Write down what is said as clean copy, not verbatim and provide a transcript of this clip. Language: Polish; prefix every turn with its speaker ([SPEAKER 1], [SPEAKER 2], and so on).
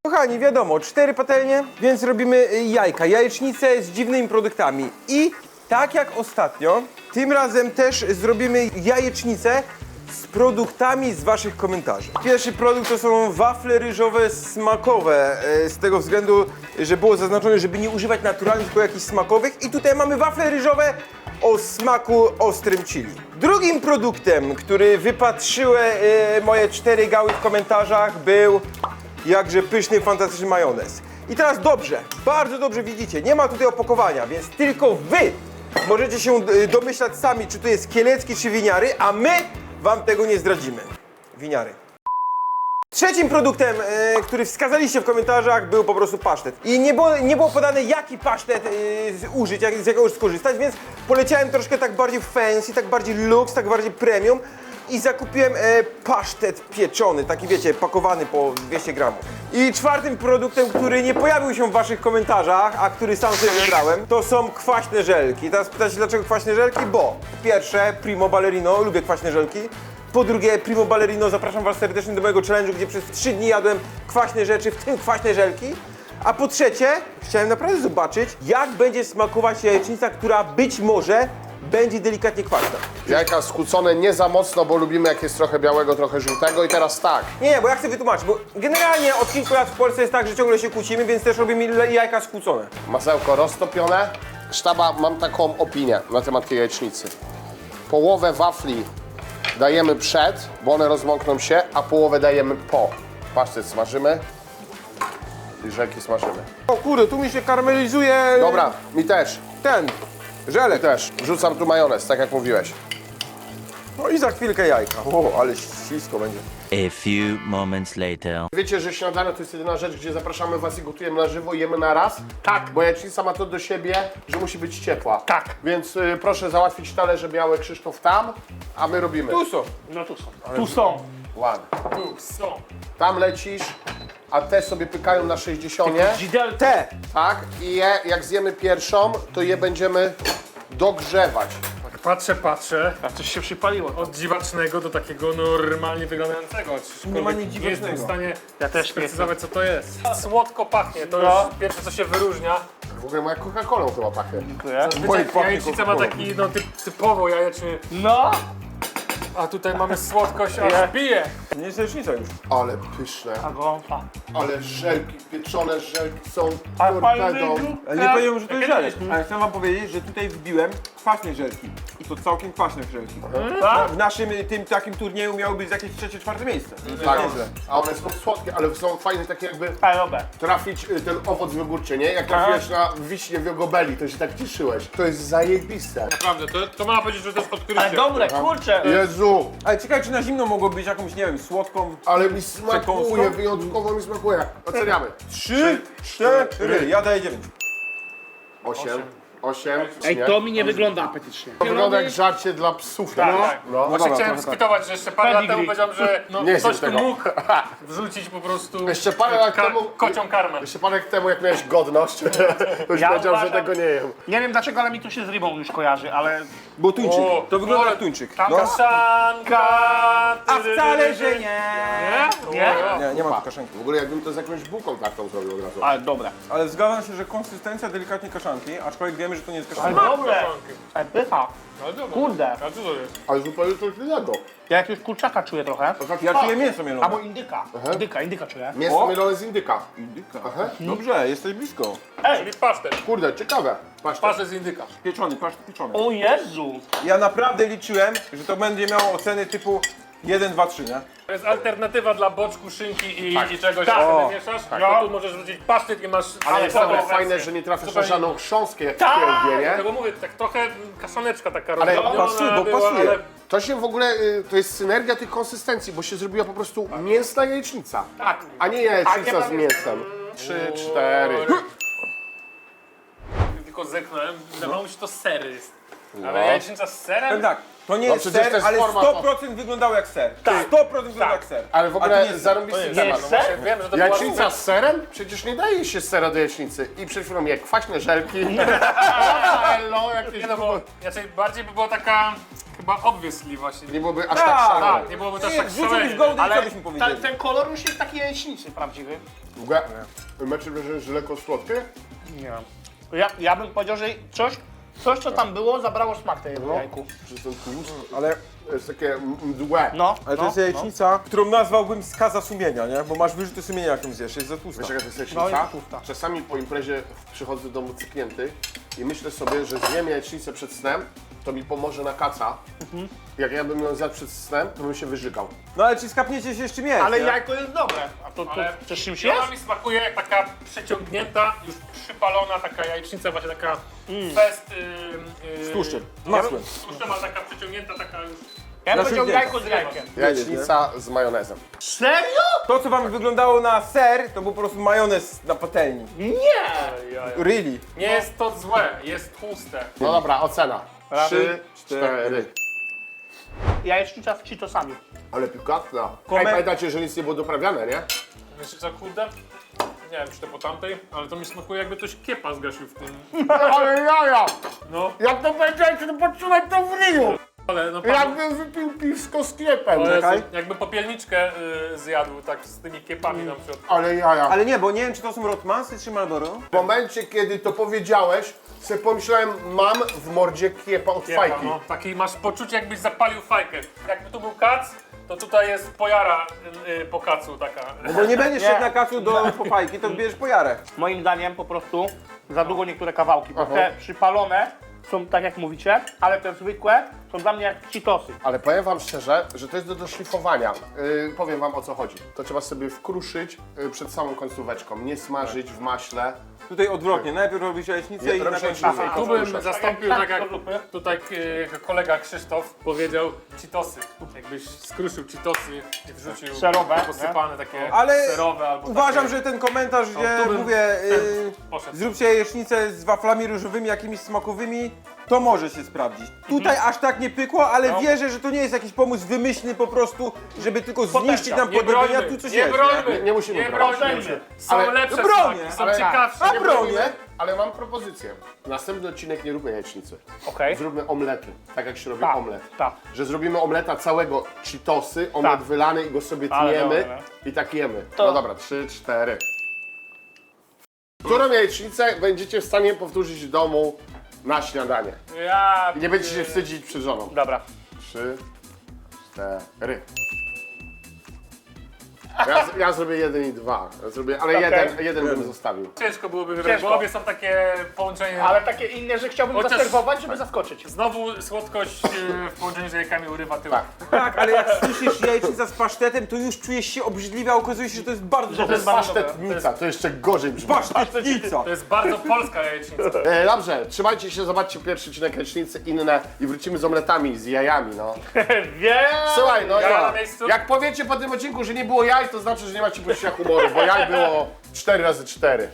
[SPEAKER 1] Kochani, wiadomo, 4 patelnie, więc robimy jajka, jajecznicę z dziwnymi produktami. I tak jak ostatnio, tym razem też zrobimy jajecznicę z produktami z waszych komentarzy. Pierwszy produkt to są wafle ryżowe smakowe, z tego względu, że było zaznaczone, żeby nie używać naturalnych, tylko jakichś smakowych. I tutaj mamy wafle ryżowe o smaku ostrym chili. Drugim produktem, który wypatrzyły moje 4 gały w komentarzach, był jakże pyszny, fantastyczny majonez. I teraz dobrze, bardzo dobrze widzicie, nie ma tutaj opakowania, więc tylko wy możecie się domyślać sami, czy to jest kielecki, czy winiary, a my wam tego nie zdradzimy. Winiary. Trzecim produktem, który wskazaliście w komentarzach, był po prostu pasztet. I nie było podane, jaki pasztet użyć, z jakiego skorzystać, więc poleciałem troszkę tak bardziej fancy, tak bardziej luxe, tak bardziej premium i zakupiłem pasztet pieczony, taki wiecie, pakowany po 200 gramów. I czwartym produktem, który nie pojawił się w waszych komentarzach, a który sam sobie wybrałem, to są kwaśne żelki. Teraz pytacie, dlaczego kwaśne żelki? Bo po pierwsze, Primo Ballerino, lubię kwaśne żelki. Po drugie, Primo Ballerino, zapraszam was serdecznie do mojego challenge'u, gdzie przez 3 dni jadłem kwaśne rzeczy, w tym kwaśne żelki. A po trzecie, chciałem naprawdę zobaczyć, jak będzie smakować jajecznica, która być może będzie delikatnie kwaśna.
[SPEAKER 2] Jajka skłócone nie za mocno, bo lubimy jak jest trochę białego, trochę żółtego i teraz tak.
[SPEAKER 1] Nie, bo ja chcę wytłumaczyć, bo generalnie od kilku lat w Polsce jest tak, że ciągle się kłócimy, więc też robimy jajka skłócone.
[SPEAKER 2] Masełko roztopione. Sztaba, mam taką opinię na temat tej jajecznicy. Połowę wafli dajemy przed, bo one rozmokną się, a połowę dajemy po. Pasztet smażymy i żelki smażymy.
[SPEAKER 1] O kurde, tu mi się karmelizuje
[SPEAKER 2] Dobra, mi też.
[SPEAKER 1] ten żelek.
[SPEAKER 2] Też. Wrzucam tu majonez, tak jak mówiłeś.
[SPEAKER 1] No i za chwilkę jajka. O, ale ślisko będzie.
[SPEAKER 3] A few moments later.
[SPEAKER 2] Wiecie, że śniadanie to jest jedyna rzecz, gdzie zapraszamy was i gotujemy na żywo i jemy na raz? Tak. Bo jajecznica ma to do siebie, że musi być ciepła.
[SPEAKER 4] Tak.
[SPEAKER 2] Więc proszę załatwić talerze białe, Krzysztof tam, a my robimy.
[SPEAKER 1] Tu są.
[SPEAKER 4] No tu są. Tu są.
[SPEAKER 2] Ładnie.
[SPEAKER 4] Tu są.
[SPEAKER 2] Tam lecisz, a te sobie pykają na 60.
[SPEAKER 4] Dzidel.
[SPEAKER 1] Te.
[SPEAKER 2] Tak? I je, jak zjemy pierwszą, to je będziemy dogrzewać.
[SPEAKER 4] Patrzę. A coś się przypaliło. Od dziwacznego do takiego normalnie wyglądającego.
[SPEAKER 1] Nie ma nic
[SPEAKER 4] Nie jestem w
[SPEAKER 1] dziwacznego.
[SPEAKER 4] stanie
[SPEAKER 5] Ja też nie
[SPEAKER 4] sprecyzować, co to jest. Słodko pachnie, to
[SPEAKER 5] No.
[SPEAKER 4] już pierwsze, co się wyróżnia.
[SPEAKER 2] W ogóle moja Coca-Colą chyba pachnie.
[SPEAKER 4] Zazwyczaj jajecznica ma taki, no typowo jajeczny,
[SPEAKER 5] No!
[SPEAKER 4] a tutaj mamy słodkość, aż bije.
[SPEAKER 1] Nie jest jajecznica już.
[SPEAKER 2] Ale pyszne.
[SPEAKER 5] A gąfa.
[SPEAKER 2] Ale żelki, pieczone żelki są
[SPEAKER 5] A
[SPEAKER 2] torpedą.
[SPEAKER 1] Ale nie powiedziałem, że to jest żelek. Ale chcę wam powiedzieć, że tutaj wbiłem kwaśne żelki. I to całkiem kwaśne żelki. W naszym tym takim turnieju miało być jakieś 3-4 miejsce.
[SPEAKER 2] Tak, a one są słodkie, ale są fajne, takie jakby
[SPEAKER 5] Parowe.
[SPEAKER 2] trafić ten owoc wygórczy, nie? Jak trafiłeś na wiśnie w Jogobeli, to się tak cieszyłeś. To jest zajebiste.
[SPEAKER 4] Naprawdę, to można powiedzieć, że to jest odkrycie.
[SPEAKER 5] Ale dobre, kurczę.
[SPEAKER 2] Jezu,
[SPEAKER 1] Ale ciekawe, czy na zimno mogło być jakąś, nie wiem, słodką.
[SPEAKER 2] ale mi smakuje,
[SPEAKER 1] Przekąską?
[SPEAKER 2] wyjątkowo mi smakuje. Oceniamy.
[SPEAKER 1] 3, 4. Ja daję 9.
[SPEAKER 2] 8.
[SPEAKER 5] Ej, to mi nie wygląda apetycznie.
[SPEAKER 2] To wygląda jak żarcie dla psów.
[SPEAKER 4] Tak,
[SPEAKER 2] no.
[SPEAKER 4] tak.
[SPEAKER 2] No.
[SPEAKER 4] Właśnie
[SPEAKER 1] dobra,
[SPEAKER 4] chciałem
[SPEAKER 1] trochę tak.
[SPEAKER 4] skwitować, że jeszcze parę lat temu
[SPEAKER 5] Pedigree.
[SPEAKER 4] powiedziałem, że no,
[SPEAKER 2] Nie
[SPEAKER 4] ktoś
[SPEAKER 2] zjem
[SPEAKER 4] tu
[SPEAKER 2] tego.
[SPEAKER 4] mógł wrzucić po prostu
[SPEAKER 2] Jeszcze parę lat temu-
[SPEAKER 4] kocią karmę.
[SPEAKER 2] Jeszcze parę lat temu, jak miałeś godność, to już
[SPEAKER 5] Ja
[SPEAKER 2] powiedział, że
[SPEAKER 5] uważam-
[SPEAKER 2] tego nie jem.
[SPEAKER 5] Nie wiem dlaczego, ale mi to się z rybą już kojarzy, ale...
[SPEAKER 1] Bo tuńczyk.
[SPEAKER 4] O,
[SPEAKER 1] To wygląda
[SPEAKER 4] ale
[SPEAKER 1] jak tuńczyk.
[SPEAKER 4] Tam
[SPEAKER 1] No.
[SPEAKER 4] kaszanka!
[SPEAKER 1] A wcale, że nie.
[SPEAKER 5] Nie?
[SPEAKER 1] Nie ma tu kaszanki.
[SPEAKER 2] W ogóle jakbym to z jakąś bułką taką zrobił od razu.
[SPEAKER 5] Ale dobre.
[SPEAKER 1] Ale zgadzam się, że konsystencja delikatnie kaszanki, aczkolwiek wiemy, że to nie jest
[SPEAKER 5] Ale
[SPEAKER 1] kaszanka.
[SPEAKER 5] dobre. Ale pycha.
[SPEAKER 4] Ale dobra.
[SPEAKER 5] Kurde.
[SPEAKER 4] A co to jest?
[SPEAKER 2] Ale zupełnie coś innego.
[SPEAKER 5] Ja jakiegoś kurczaka czuję trochę.
[SPEAKER 1] Ja czuję mięso mielone.
[SPEAKER 5] Albo indyka. Indyka czuję.
[SPEAKER 2] Mięso
[SPEAKER 1] O!
[SPEAKER 2] mielone z indyka.
[SPEAKER 1] Indyka.
[SPEAKER 2] Aha.
[SPEAKER 1] Dobrze, jesteś blisko.
[SPEAKER 4] Czyli pasztet.
[SPEAKER 2] Kurde, ciekawe. Patrz,
[SPEAKER 4] Pasztet z indyka.
[SPEAKER 1] Pieczony, pasztet pieczony.
[SPEAKER 5] O Jezu.
[SPEAKER 1] Ja naprawdę liczyłem, że to będzie miało oceny typu 1, 2, 3, nie?
[SPEAKER 4] To jest alternatywa dla boczku, szynki i czegoś,
[SPEAKER 5] Tak.
[SPEAKER 4] co
[SPEAKER 1] O.
[SPEAKER 4] ty mieszasz. To tu możesz wrzucić pasztet i masz...
[SPEAKER 2] ale jest
[SPEAKER 4] całą
[SPEAKER 2] nawet
[SPEAKER 4] wersję.
[SPEAKER 2] fajne, że nie trafiasz na
[SPEAKER 4] Zupełnie.
[SPEAKER 2] żadną chrząstkę, jak
[SPEAKER 5] Tak.
[SPEAKER 2] takie nie?
[SPEAKER 4] Dlatego mówię, tak trochę kaszaneczka taka
[SPEAKER 2] Ale
[SPEAKER 4] rozdrobniona
[SPEAKER 1] pasuje, bo
[SPEAKER 4] była,
[SPEAKER 1] pasuje.
[SPEAKER 4] ale
[SPEAKER 2] To się w ogóle, to jest synergia tych konsystencji, bo się zrobiła po prostu mięsna jajecznica.
[SPEAKER 5] Tak.
[SPEAKER 2] A nie jajecznica
[SPEAKER 5] A nie
[SPEAKER 2] z mięsem. 3, 4.
[SPEAKER 4] tylko zeknąłem, wydawało mi się, to sery jest. Ale jajecznica z serem?
[SPEAKER 1] Powiem tak, to nie
[SPEAKER 2] No
[SPEAKER 1] jest
[SPEAKER 2] przecież to
[SPEAKER 1] ser,
[SPEAKER 2] jest
[SPEAKER 1] ale
[SPEAKER 2] forma
[SPEAKER 1] 100% wyglądało jak ser.
[SPEAKER 5] Tak.
[SPEAKER 1] 100% wygląda jak ser.
[SPEAKER 2] Ale w
[SPEAKER 1] A to
[SPEAKER 2] ogóle
[SPEAKER 1] nie jest
[SPEAKER 2] zarąbisty
[SPEAKER 4] ser.
[SPEAKER 2] temat.
[SPEAKER 5] Jest ser?
[SPEAKER 4] Wiem, że to
[SPEAKER 2] Jajecznica
[SPEAKER 4] była...
[SPEAKER 2] z serem? Przecież nie daje się sera do jajecznicy. I przed chwilą jak kwaśne żelki. Hello, jakieś
[SPEAKER 4] Nie no, bo raczej bardziej by była taka chyba obviously właśnie.
[SPEAKER 2] Nie byłoby aż
[SPEAKER 1] Tak.
[SPEAKER 2] tak szalone.
[SPEAKER 4] Tak, nie byłoby też
[SPEAKER 1] Nie,
[SPEAKER 4] tak
[SPEAKER 1] wrzucili
[SPEAKER 4] szalenie.
[SPEAKER 1] w gołdę i co
[SPEAKER 5] Ale
[SPEAKER 1] byśmy powiedzieli?
[SPEAKER 5] ten kolor już jest taki jajecznicy prawdziwy.
[SPEAKER 2] W ogóle, macie wrażenie, że lekko słodkie?
[SPEAKER 5] Nie wiem. Ja bym powiedział, że coś co tam było, zabrało smak tej jajku.
[SPEAKER 2] Przez ten tłust.
[SPEAKER 1] Ale,
[SPEAKER 2] To jest takie mdłe.
[SPEAKER 5] No,
[SPEAKER 1] ale to
[SPEAKER 5] no,
[SPEAKER 1] jest jajecznica, którą nazwałbym skaza sumienia, nie? Bo masz wyrzuty sumienia, jak ją zjesz, jest za tłusta.
[SPEAKER 2] Wiesz jaka to jest
[SPEAKER 5] No,
[SPEAKER 2] jajecznica?
[SPEAKER 5] jest tłusta.
[SPEAKER 2] Czasami po imprezie przychodzę do domu cyknięty i myślę sobie, że zjem jajecznicę przed snem, to mi pomoże na kaca. Jak ja bym ją zjadł przed snem, to bym się wyżygał.
[SPEAKER 1] No ale czy skapniecie się z czym jest,
[SPEAKER 5] Ale
[SPEAKER 1] nie?
[SPEAKER 5] jajko jest dobre. A to
[SPEAKER 4] Ale
[SPEAKER 5] też czymś
[SPEAKER 4] ona
[SPEAKER 5] jest?
[SPEAKER 4] mi smakuje jak taka przeciągnięta, już przypalona taka jajecznica, właśnie taka fest...
[SPEAKER 1] Z tłuszczem, z masłem.
[SPEAKER 4] Z tłuszczem, ale taka przeciągnięta, taka już...
[SPEAKER 5] Ja bym powiedział
[SPEAKER 1] Nasiągnięta.
[SPEAKER 5] jajko z jajkiem.
[SPEAKER 2] Jajecznica z majonezem.
[SPEAKER 5] Serio?
[SPEAKER 1] To, co wam wyglądało na ser, to był po prostu majonez na patelni.
[SPEAKER 5] Nie!
[SPEAKER 1] Really.
[SPEAKER 4] Nie jest to złe, jest tłuste.
[SPEAKER 2] No dobra, ocena.
[SPEAKER 5] Raz,
[SPEAKER 2] 3,
[SPEAKER 1] 4.
[SPEAKER 2] 4.
[SPEAKER 5] Jajecznica z Cheetosami.
[SPEAKER 2] Ale pikantna.
[SPEAKER 1] Komen-
[SPEAKER 2] Ej, pamiętacie, że nic nie było doprawiane, nie?
[SPEAKER 4] Wiecie co, kurde? Nie wiem, czy to po tamtej, ale to mi smakuje jakby ktoś kiepa zgasił w tym.
[SPEAKER 2] Ale jaja!
[SPEAKER 4] No,
[SPEAKER 2] Jak to powiedziałeś, to poczułem to w ryju!
[SPEAKER 4] ale no
[SPEAKER 2] Jakbym wypił piwsko z kiepem.
[SPEAKER 4] ale
[SPEAKER 1] Czekaj.
[SPEAKER 4] jakby popielniczkę zjadł tak z tymi kiepami na przykład.
[SPEAKER 2] Ale jaja.
[SPEAKER 1] Ale nie, bo nie wiem, czy to są Rotmansy, czy Marlboro.
[SPEAKER 2] W momencie, kiedy to powiedziałeś, sobie pomyślałem, mam w mordzie kiepa od
[SPEAKER 4] Kiepa,
[SPEAKER 2] fajki.
[SPEAKER 4] no. Taki masz poczucie, jakbyś zapalił fajkę. Jakby tu był kac, to tutaj jest pojara po kacu taka.
[SPEAKER 1] Bo nie będziesz
[SPEAKER 5] Nie.
[SPEAKER 1] szedł na kacu do popajki, to bierzesz pojarę.
[SPEAKER 5] Moim zdaniem po prostu za długo niektóre kawałki, bo
[SPEAKER 2] Aha.
[SPEAKER 5] te przypalone są tak jak mówicie, ale te zwykłe są dla mnie jak Cheetosy.
[SPEAKER 2] Ale powiem wam szczerze, że to jest do doszlifowania. Powiem wam o co chodzi. To trzeba sobie wkruszyć przed samą końcóweczką, nie smażyć w maśle.
[SPEAKER 1] Tutaj odwrotnie, najpierw robisz jajecznicę
[SPEAKER 2] Nie,
[SPEAKER 1] i na
[SPEAKER 2] robisz
[SPEAKER 1] końcu
[SPEAKER 2] jajecznicę.
[SPEAKER 4] Tu bym zastąpił, tak jak
[SPEAKER 5] zupy.
[SPEAKER 4] tutaj kolega Krzysztof powiedział, Cheetosy. Jakbyś skruszył Cheetosy i wrzucił
[SPEAKER 5] Serowe,
[SPEAKER 4] posypane takie
[SPEAKER 1] Ale
[SPEAKER 4] serowe albo
[SPEAKER 1] uważam,
[SPEAKER 4] takie...
[SPEAKER 1] że ten komentarz, gdzie
[SPEAKER 4] tu bym-
[SPEAKER 1] mówię,
[SPEAKER 4] Poszedł.
[SPEAKER 1] zróbcie jajecznicę z waflami różowymi, jakimiś smakowymi, to może się sprawdzić. Tutaj aż tak nie pykło, ale
[SPEAKER 4] No.
[SPEAKER 1] wierzę, że to nie jest jakiś pomysł wymyślny po prostu, żeby tylko zniszczyć nam
[SPEAKER 4] Nie
[SPEAKER 1] podobienia,
[SPEAKER 4] brońmy,
[SPEAKER 1] tu coś
[SPEAKER 4] nie
[SPEAKER 1] jest.
[SPEAKER 4] brońmy,
[SPEAKER 2] Nie musimy
[SPEAKER 4] nie
[SPEAKER 2] bronić.
[SPEAKER 4] brońmy. Są
[SPEAKER 2] Ale-
[SPEAKER 4] lepsze
[SPEAKER 1] No bronię,
[SPEAKER 4] smaki, są
[SPEAKER 2] ale-
[SPEAKER 4] ciekawsze.
[SPEAKER 1] A
[SPEAKER 2] Nie
[SPEAKER 1] bronię.
[SPEAKER 2] bronimy, ale mam propozycję. Następny odcinek nie róbmy jajecznicy.
[SPEAKER 5] Okej.
[SPEAKER 2] Zróbmy omlety, tak jak się robi
[SPEAKER 5] Tak,
[SPEAKER 2] omlet.
[SPEAKER 5] tak.
[SPEAKER 2] Że zrobimy omleta całego Cheetosy, omlet
[SPEAKER 5] Tak.
[SPEAKER 2] wylany i go sobie
[SPEAKER 5] Ale
[SPEAKER 2] tniemy
[SPEAKER 5] dobra.
[SPEAKER 2] i tak jemy.
[SPEAKER 5] To-
[SPEAKER 2] No dobra, 3, 4. Którą jajecznicę będziecie w stanie powtórzyć w domu na śniadanie?
[SPEAKER 4] Ja...
[SPEAKER 2] I nie będziecie się wstydzić przed żoną.
[SPEAKER 5] Dobra.
[SPEAKER 2] 3, 4. Ja zrobię 1 i 2. Ja zrobię, ale
[SPEAKER 5] Okej.
[SPEAKER 2] jeden bym zostawił.
[SPEAKER 4] Ciężko byłoby wybrać,
[SPEAKER 5] Ciężko.
[SPEAKER 4] bo obie są takie połączenie...
[SPEAKER 5] Ale takie inne, że chciałbym
[SPEAKER 4] Chociaż-
[SPEAKER 5] zaserwować, żeby zaskoczyć.
[SPEAKER 4] Znowu słodkość w połączeniu z jajkami urywa tyłek.
[SPEAKER 1] Tak, ale jak słyszysz jajecznica z pasztetem, to już czujesz się obrzydliwie, a okazuje się, że to jest bardzo
[SPEAKER 2] To
[SPEAKER 1] dobre.
[SPEAKER 2] jest pasztetnica, to jeszcze gorzej brzmi.
[SPEAKER 1] Pasztetnica!
[SPEAKER 4] To jest bardzo polska jajecznica.
[SPEAKER 2] Dobrze, trzymajcie się, zobaczcie pierwszy odcinek jajecznicy, inne i wrócimy z omletami, z jajami, no.
[SPEAKER 5] Wiem!
[SPEAKER 2] Słuchaj, no
[SPEAKER 4] Ja na miejscu?
[SPEAKER 2] jak powiecie po tym odcinku, że nie było jaj, to znaczy, że nie macie poczucia humoru, bo jaj było 4 razy 4.